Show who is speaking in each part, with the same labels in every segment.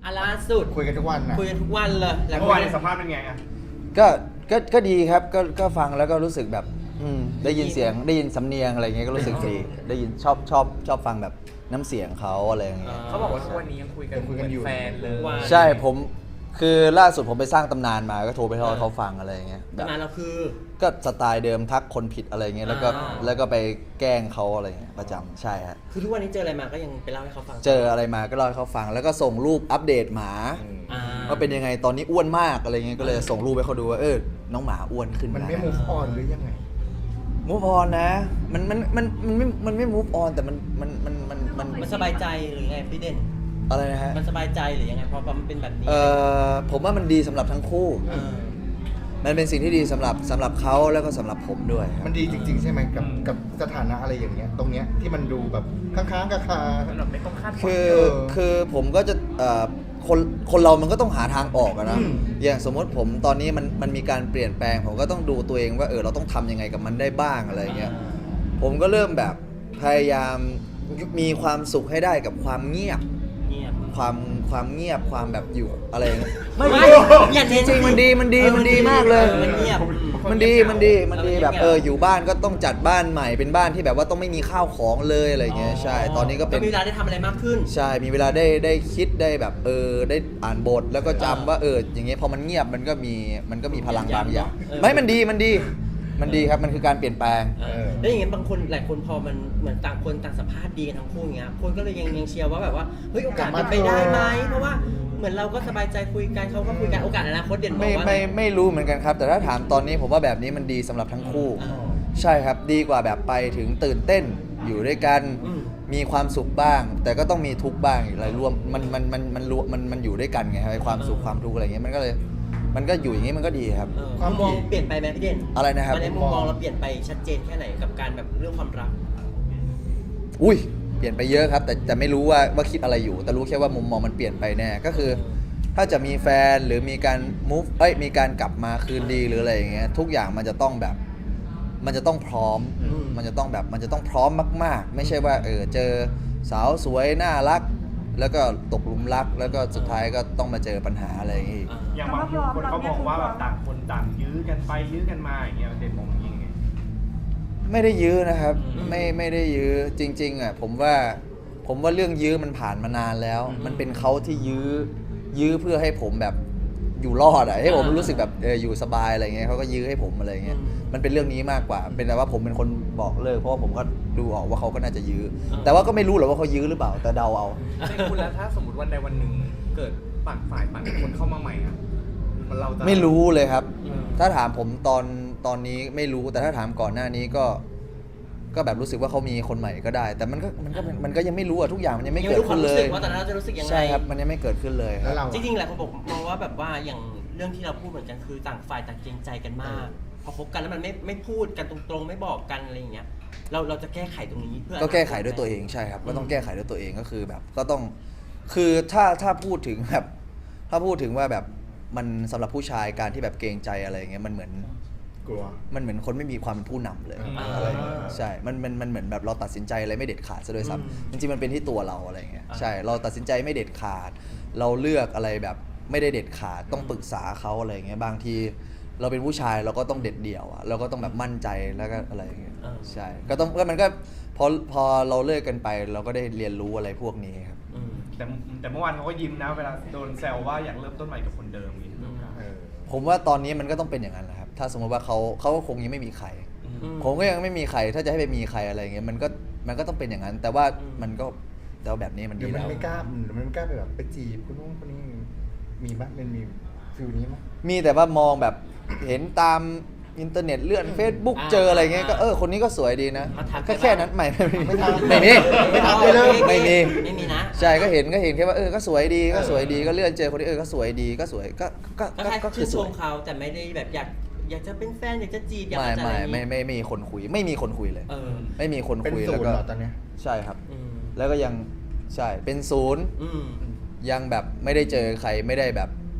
Speaker 1: ล่าสุด
Speaker 2: คุยกันทุกวันนะ
Speaker 1: คุยกันทุกวันเลยแล้ว
Speaker 3: เมื่อวานในสัมภาษณ์เป็นไงอ่ะ
Speaker 4: ก็ดีครับก็ฟังแล้วก็รู้สึกแบบได้ยินเสียงได้ยินสำเนียงอะไรเงี้ยก็รู้สึกดีได้ยินชอบฟังแบบน้ำเสียงเขาอะไรอย่างเงี้ย
Speaker 5: เขาบอกว่าทุกวันนี้ยังคุยกันเหมือนแฟนเลย
Speaker 4: ใช่ผมคือล่าสุดผมไปสร้างตำนานมาก็โทรไปเล่าให้เขาฟังอะไรอย่างเงี้ยแบบ
Speaker 1: ประมาณเราคือ
Speaker 4: ก็สไตล์เดิมทักคนผิดอะไรเงี้ยแล้วก็ไปแกล้งเขาอะไรเงี้ยประจำใช่ฮะ
Speaker 1: คือทุกวันนี้เจออะไรมาก็ยังไปเล่าให้เขาฟัง
Speaker 4: เจออะไรมาก็เล่าให้เขาฟังแล้วก็ส่งรูปอัปเดตหมา
Speaker 1: อ่า
Speaker 4: ว่าเป็นยังไงตอนนี้อ้วนมากอะไรเงี้ยก็เลยส่งรูปให้เขาดูว่าน้องหมาอ้วนขึ้น
Speaker 2: มัน
Speaker 4: นะ
Speaker 2: ไม่ move on หรือยังไง
Speaker 4: มูฟออนนะมันไม่มูฟออนแต่มัน
Speaker 1: สบายใจหรือไงพี่เด่น
Speaker 4: อะไรนะฮะ
Speaker 1: มันสบายใจหรือยังไงเพราะมันเป็นแบบนี้
Speaker 4: ผมว่ามันดีสำหรับทั้งคู่
Speaker 1: เออ
Speaker 4: มันเป็นสิ่งที่ดีสำหรับเขาแล้วก็สำหรับผมด้วยครับ
Speaker 2: มันดีจริง ๆ ใช่ไหมกับสถานะอะไรอย่างเงี้ยตรงเนี้ยที่มันดูแบบค้างๆกับคา
Speaker 5: มันแบบไม่ต้องคาดหวัง
Speaker 4: คือผมก็จะคนเรามันก็ต้องหาทางออกอะนะ อย่างสมมติผมตอนนี้มันมีการเปลี่ยนแปลง ผมก็ต้องดูตัวเองว่าเราต้องทำยังไงกับมันได้บ้างอะไรเงี้ยผมก็เริ่มแบบพยายามมีความสุขให้ได้กับความเงียบ
Speaker 1: เงียบ
Speaker 4: ความเงียบความแบบอยู่อะไรเงี้ย
Speaker 1: ไม่อย่า
Speaker 4: จ
Speaker 1: เน้น
Speaker 4: ริงๆมันดีมากเลย
Speaker 1: มันเงียบ
Speaker 4: มันดีแบบอยู่บ้านก็ต้องจัดบ้านใหม่เป็นบ้านที่แบบว่าต้องไม่มีข้าวของเลยอะไรเงี้ยใช่ตอนนี้ก็เป็น
Speaker 1: มีเวลาได้ทำอะไรมากขึ้น
Speaker 4: ใช่มีเวลาได้คิดได้แบบได้อ่านบทแล้วก็จำว่าอย่างเงี้ยพอมันเงียบมันก็มีพลังบางอย่างไม่มันดีครับมันคือการเปลี่ยนแปลง
Speaker 1: แล้วอย่างเงี้ยบางคนหลายคนพอมันเหมือนต่างคนต่างสัมภาษณ์ดีกันทั้งคู่อย่างเงี้ยคนก็เลยยังเชียร์ว่าแบบว่าเฮ้ยโอกาสเป็นไปได้ไหมเพราะว่าเหมือนเราก็สบายใจคุยกันเขาก็คุยกันโอกาสอนาคตเด่นบอกว่า
Speaker 4: ไม่รู้เหมือนกันครับ แต่ถ้าถามตอนนี้ผมว่าแบบนี้มันดีสำหรับทั้งคู่ ใช่ครับดีกว่าแบบไปถึงตื่นเต้นอยู่ด้วยกันมีความสุขบ้าง แต่ก็ต้องมีทุกข์บ้างอะไรรวมมันอยู่ด้วยกันไงครับความสุขความทุกข์อะไรเงี้ยมันก็อยู่อย่างงี้มันก็ดีครับ
Speaker 1: มุมมองเปลี่ยนไปไหมพี่เด่น
Speaker 4: อะไรนะครับ
Speaker 1: ในมุมมองเราเปลี่ยนไปชัดเจนแค่ไหนกับการแบบเรื่องความรัก
Speaker 4: อุ้ยเปลี่ยนไปเยอะครับแต่ไม่รู้ว่าคิดอะไรอยู่ แต่รู้แค่ว่ามุมมองมันเปลี่ยนไปแน่ก็คือ ถ้าจะมีแฟนหรือมีการมีการกลับมาคืนดีหรืออะไรอย่างเงี้ยทุกอย่างมันจะต้องแบบมันจะต้องพร้อมมันจะต้องพร้อมมากๆ ไม่ใช่ว่าเจอสาวสวยน่ารัก แล้วก็ตกหลุมรักแล้วก็สุดท้ายก็ต้องมาเจอปัญหาอะไรอย่างงี้
Speaker 3: อย่างบางคนเขามองว่าแบบต่างคนต่างยื้อกันไปยื้อกันมาอย่างเงี้ยเด่นมองยังไง
Speaker 4: ไม่ได้ยื้อนะครับไม่ได้ยื้อจริงๆอ่ะผมว่าเรื่องยื้อมันผ่านมานานแล้ว มันเป็นเขาที่ยื้อเพื่อให้ผมแบบอยู่รอดอ่ะให้ผมรู้สึกแบบอยู่สบายอะไรเงี้ยเขาก็ยื้อให้ผมอะไรเงี้ยมันเป็นเรื่องนี้มากกว่าเป็นแต่ว่าผมเป็นคนบอกเลิกเพราะว่าผมก็ดูออกว่าเขาก็น่าจะยื้อแต่ว่าก็ไม่รู้หรอกว่าเขายื้อหรือเปล่าแต่เดาเอา
Speaker 5: ในคุณแล้วถ้าสมมติวันใดวันหนึ่งเกิดต่างฝ่ายต่างคนเข้ามาใหม่อะเราจะ
Speaker 4: ไม่รู้เลยครับ ถ้าถามผมตอนนี้ไม่รู้แต่ถ้าถามก่อนหน้านี้ก็แบบรู้สึกว่าเขามีคนใหม่ก็ได้ แต่มันก็ยังไม่รู้อะทุกอย่างมันยังไม่เกิดขึ้นเลย
Speaker 1: ว่าตอนนั้นเราจะรู้สึกยังไง
Speaker 4: ใช่ครับมันยังไม่เกิดขึ้นเลยค
Speaker 2: แล้
Speaker 4: รั
Speaker 2: ว
Speaker 4: บ
Speaker 2: เรา
Speaker 1: จริงๆหลายคนบอกมองว่าแบบว่าอย่างเรื่องที่เราพูดเหมือนกันคือต่างฝ่ายต่างเกรงใจกันมาก พอคบกันแล้วมันไม่พูดกันตรงๆไม่บอกกันอะไรอย่างเงี้ยเราจะแก้ไขตรงนี้เพื่อ
Speaker 4: ก็แก้ไขด้วยตัวเองใช่ครับก็ต้องแก้ไขด้วยตัวเองก็คือแบบก็ต้องคือถ้าพูดถึงแบบถ้าพูดถึงว่าแบบมันสำหรับผู้ชายการที่แบบเกรงใจอะไรอย่างเงี้ยมันเหมือน
Speaker 2: กลัว
Speaker 4: มันเหมือนคนไม่มีความเป็นผู้นำเลย
Speaker 2: อ่า
Speaker 4: อะไรอย่างเงี้ยใช่มันเหมือนแบบเราตัดสินใจอะไรไม่เด็ดขาดซะด้วยซ้ำจริงๆมันเป็นที่ตัวเราอะไรอย่างเงี้ยใช่เราตัดสินใจไม่เด็ดขาด เราเลือกอะไรแบบไม่ได้เด็ดขาดต้องปรึกษาเขาอะไรอย่างเงี้ยบางทีเราเป็นผู้ชายเราก็ต้องเด็ดเดี่ยวอะเราก็ต้องแบบมั่นใจแล้วก็อะไรอย่างเงี้ยใช่ก็มันก็พอเราเลิกกันไปเราก็ได้เรียนรู้อะไรพวกนี้ครับ
Speaker 3: แต่เมื่อวานเขาก็ยิ้มนะเวลาโดนแซวว่าอยากเริ่มต้นใหม่กับคนเดิมอย่างนี้
Speaker 4: ผมว่าตอนนี้มันก็ต้องเป็นอย่างนั้นแหละครับถ้าสมมติว่าเขาก็คงยังไม่มีใคร ผมก็ยังไม่มีใครถ้าจะให้ไปมีใครอะไรอย่างเงี้ยมันก็ต้องเป็นอย่างนั้น แต่ว่ามันก็แต่ว่าแบบนี้มัน
Speaker 2: ห
Speaker 4: ดี
Speaker 2: รือมัน
Speaker 4: แล้ว
Speaker 2: ไม่กล้าไปแบบไปจีบคนนู้นคนนี้มีมั้ยมันมีฟิลนี้มั้ย
Speaker 4: มีแต่ว่ามองแบบเห็นตามอินเทอร์เน็ตเลื่อน Facebook เจออะไรเงี้ยก็คนนี้ก็สวยดีนะ
Speaker 1: มาทัก
Speaker 4: แค่นั้นไม่มี
Speaker 2: ไม่ทัก
Speaker 4: ไม่มี
Speaker 2: ไม่ทักเลย
Speaker 4: ไม่มี
Speaker 1: ไม่มีนะ
Speaker 4: ใช่ก็เห็นแค่ว่าก็สวยดีก็สวยดีก็เลื่อนเจอคนที่ก็สวยดีก็สวยก็
Speaker 1: ก็คื
Speaker 4: คือ อ
Speaker 1: ช
Speaker 4: สว
Speaker 1: ม
Speaker 4: ย
Speaker 1: เขาแต่ไม่ได้แบบอยากจะเป็นแฟนอยากจะจีบอยาก
Speaker 4: ไม่
Speaker 1: จะอะไรอย่างงี้
Speaker 4: ไม่มีคนคุยไม่มีคนคุยเลย ไม่มีคน
Speaker 2: เป็น
Speaker 4: คุย
Speaker 2: ศู
Speaker 4: แล้ว
Speaker 2: นย์
Speaker 4: ก็
Speaker 2: เหรอตอนเนี้ย
Speaker 4: ใช่ครับ
Speaker 1: อืม
Speaker 4: แล้วก็ยังใช่เป็นศูนย์
Speaker 1: อืม
Speaker 4: ยังแบบไม่ได้เจอใครไม่ได้แบบ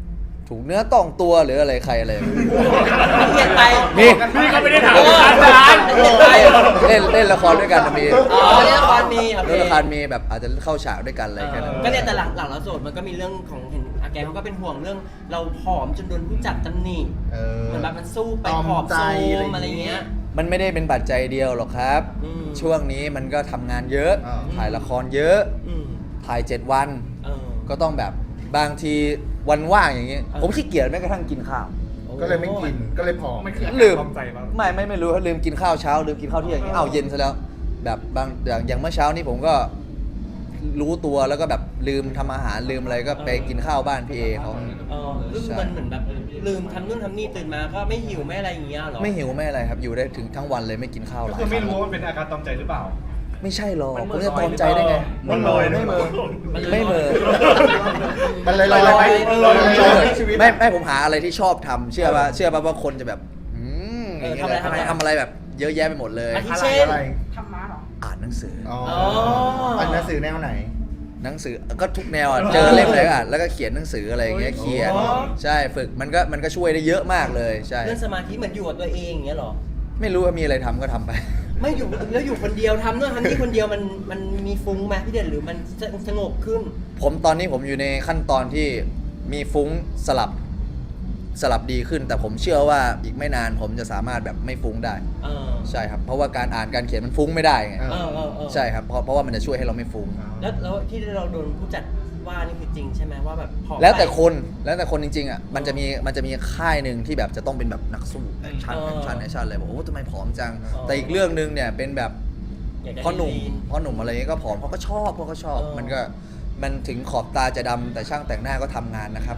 Speaker 4: ถูกเนื้อต้องตัวหรืออะไรใครอะไร
Speaker 1: เปลี่ยนไป
Speaker 4: นี่
Speaker 3: พี่ก็ไม่ได้ถาม
Speaker 1: เออ
Speaker 3: อาจารย์
Speaker 1: เปลี่ยนไป
Speaker 4: เล่นละครด้วยกันนะมี
Speaker 1: อ๋อเล่นละครมีโอเค
Speaker 4: เล่นละครมีแบบอาจจะเข้าฉากด้วยกันอะไรแค่นั้น
Speaker 1: ก็เนี่ยแต่หลังเราโสดมันก็มีเรื่องของเห็นอาแกเขาก็เป็นห่วงเรื่องเราผอมจนโดนผู้จัดตำหนิ เหมือนแบบมันสู้ไป
Speaker 2: ตอม
Speaker 1: ผอม
Speaker 2: ใจ
Speaker 1: โซ
Speaker 2: อะไร
Speaker 1: ม
Speaker 2: อย่างงี้
Speaker 1: อะไรเงี้ย
Speaker 4: มันไม่ได้เป็นปัจจัยเดียวหรอกครับ
Speaker 1: อืม
Speaker 4: ช่วงนี้มันก็ทำงานเยอะ
Speaker 2: อ่า
Speaker 4: ถ่ายละครเยอะ
Speaker 1: อืม
Speaker 4: ถ่าย 7 วัน
Speaker 1: เออ
Speaker 4: ก็ต้องแบบบางทีวันว่างอย่างเงี้ย
Speaker 1: เออ
Speaker 4: ผมขี้เกียจแม้กระทั่งกินข้าว
Speaker 2: ก็เลยไม่กินก็เลยผอม
Speaker 5: มันคืออา
Speaker 4: ลื
Speaker 5: การ
Speaker 4: ม
Speaker 5: คลองใจป่ะ
Speaker 4: ไม่รู้ลืมกินข้าวเช้าลืมกินข้าวเที่ยงอย่างเงี้ยอ้าวเย็นซะแล้ว แบบบางอย่างเมื่อเช้านี้ผมก็รู้ตัวแล้วก็แบบลืมทำอาหารลืมอะไรก็ไปกินข้าวบ้านพี่เอเขา
Speaker 1: คือมันเหมือนแบบลืมทำนู่นทำนี่ตื่นมาก็ไม่หิวไม่อะไรอย่างเงี้ยหรอ
Speaker 4: ไม่หิวไม่อะไรครับอยู่ได้ถึงทั้งวันเลยไม่กินข้าวห
Speaker 3: ก็
Speaker 4: ลาย
Speaker 3: คือไม่
Speaker 4: ครั้ง
Speaker 3: รู้ว่ามันเป็นอาการตอมใจหรือเปล่า
Speaker 4: ไม่ใช่หรอก
Speaker 5: มัน
Speaker 4: ผ
Speaker 5: เหมื
Speaker 4: ม
Speaker 5: อน
Speaker 4: จะตอมใจได้ไง
Speaker 3: มันลอย
Speaker 2: ไม่เมอ
Speaker 4: ไม่เหมอ
Speaker 2: มันเลยลอยไป
Speaker 3: มันลอย
Speaker 2: มันลอยชีวิต
Speaker 4: ไม่ผมหาอะไรที่ชอบทำเชื่อป่ะว่าคนจะแบบอย่างเงี้ยเลยทำอะไรแบบเยอะแยะไปหมดเลย
Speaker 1: อาทิ
Speaker 2: อะไร
Speaker 1: เช่น
Speaker 2: อะไร
Speaker 4: อ่านหนังสือ
Speaker 2: อ๋อ
Speaker 1: อ๋ออั
Speaker 2: อันหนังสือแนวไหน
Speaker 4: หนังสือก็ทุกแนวอ่ะเจอเล่มไหนก็อ่านแล้วก็เขียนหนังสืออะไรอย่างเงี้ยเขียน
Speaker 1: อ๋อ
Speaker 4: ใช่ฝึกมันก็ช่วยได้เยอะมากเลยใช่
Speaker 1: เรื่องสมาธิเหมือนอยู่กับตัวเองอย่างเงี้ยหรอ
Speaker 4: ไม่รู้ว่ามีอะไรทำก็ทำไป
Speaker 1: ไม่อยู่แล้วอยู่คนเดียวทำนู่นทำนี่คนเดียวมันมีฟุ้งไหมพี่เด่นหรือมันสงบขึ้น
Speaker 4: ผมตอนนี้ผมอยู่ในขั้นตอนที่มีฟุ้งสลับดีขึ้น แต่ผมเชื่อว่าอีกไม่นานผมจะสามารถแบบไม่ฟุ้งได้
Speaker 1: เออ
Speaker 4: ใช่ครับเพราะว่าการอ่านการเขียนมันฟุ้งไม่ได้ไง
Speaker 2: เออ
Speaker 4: ใช่ครับเพราะว่ามันจะช่วยให้เราไม่ฟุ้ง
Speaker 1: แล้วที่เราโดนผู้จัดว่านี่คือจริงใช่ไหมว่าแบบผอมไป
Speaker 4: แล้วแต่คนจริงๆอ่ะมันจะมีค่ายหนึ่งที่แบบจะต้องเป็นแบบนักสู้แอคชั่นเลยบอกโอ้ทำไมผอมจัง แต่อีกเรื่องหนึงเนี่ยเป็นแบบ
Speaker 1: อยากได้
Speaker 4: พ่อหนุ่ม
Speaker 1: ลีน
Speaker 4: อะไรเงี้ยก็ผอมเขาก็ชอบมันถึงขอบตาจะดำแต่ช่างแต่งหน้าก็ทำงานนะครับ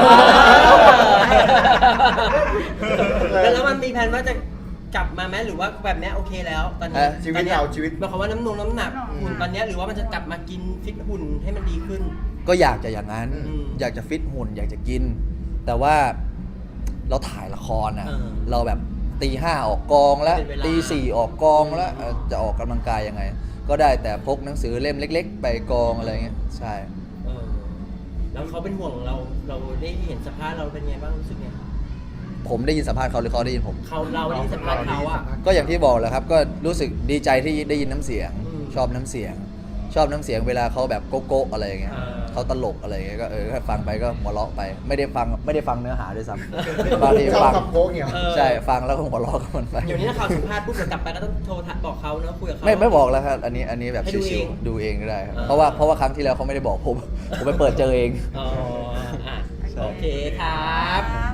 Speaker 1: แล้วมันมีแผนว่าจะกลับมาไหมหรือว่าแบบเนี้ยโอเคแล้วตอนนี้
Speaker 2: ชีวิต
Speaker 1: ตอนนี้ย
Speaker 2: เราชีวิต
Speaker 1: หมายความว่าน้ำหนักหุ่นตอนเนี้ยหรือว่ามันจะกลับมากินฟิตหุ่นให้มันดีขึ้น
Speaker 4: ก็อยากจะอย่างนั้น
Speaker 1: อืม
Speaker 4: อยากจะฟิตหุ่นอยากจะกิน แต่ว่าเราถ่ายละครอ่ะ
Speaker 1: เออ
Speaker 4: เราแบบตี 5ออกกองแล้ว
Speaker 1: เป็นเวลา
Speaker 4: ตี 4ออกกองแล้วจะออกกำลังกายยังไง ก็ได้แต่พกหนังสือเล่มเล็ก ๆ ไปกองอะไรเงี้ยใช่
Speaker 1: เออแล้วเขาเป็นห่วงเราได้เห็นสภาพเราเป็นไงบ้างรู้สึกไง
Speaker 4: ผมได้ยินสัมภาษณ์เขาหรือเขาได้ยินผม
Speaker 1: เราได้ยินสัมภาษณ์เขาอ่ะ
Speaker 4: ก็อย่างที่บอกแหละครับก็รู้สึกดีใจที่ได้ยินน้ำเสียง
Speaker 1: อืม
Speaker 4: ชอบน้ำเสียงเวลาเขาแบบโก๊ะๆอะไรอย่างเงี้ย
Speaker 1: อ่า
Speaker 4: เขาตลกอะไรอย่างเงี้ยก็ก็ฟังไปก็หัวเราะไป ไม่ได้ฟังเนื้อหาด้วยซ้ำ บางที
Speaker 2: ชอบ
Speaker 4: ฟัง
Speaker 2: คำโค้งเนี่ย
Speaker 1: เออ
Speaker 4: ใช่ฟังแล้วก็หัวเราะกับมันไป
Speaker 1: เดี๋ยวนี้ถ้าเขาสัมภาษณ์ปุ๊บเดี๋ยวกลับไปก็ต้องโทรบอกเขาเนอะคุยกับเขา
Speaker 4: ไม่บอกแล้วครับอันนี้แบบ
Speaker 1: ให้ดู
Speaker 4: ชิ
Speaker 1: เอ
Speaker 4: ว
Speaker 1: ง
Speaker 4: ๆดูเองก็ได้ครับ
Speaker 1: อ่า
Speaker 4: เพราะว่าครั้งที่แล้วเขาไม่ได้บอกผม ผมไปเปิดเจอเอง
Speaker 1: อ๋ออ่ะโอเคครับ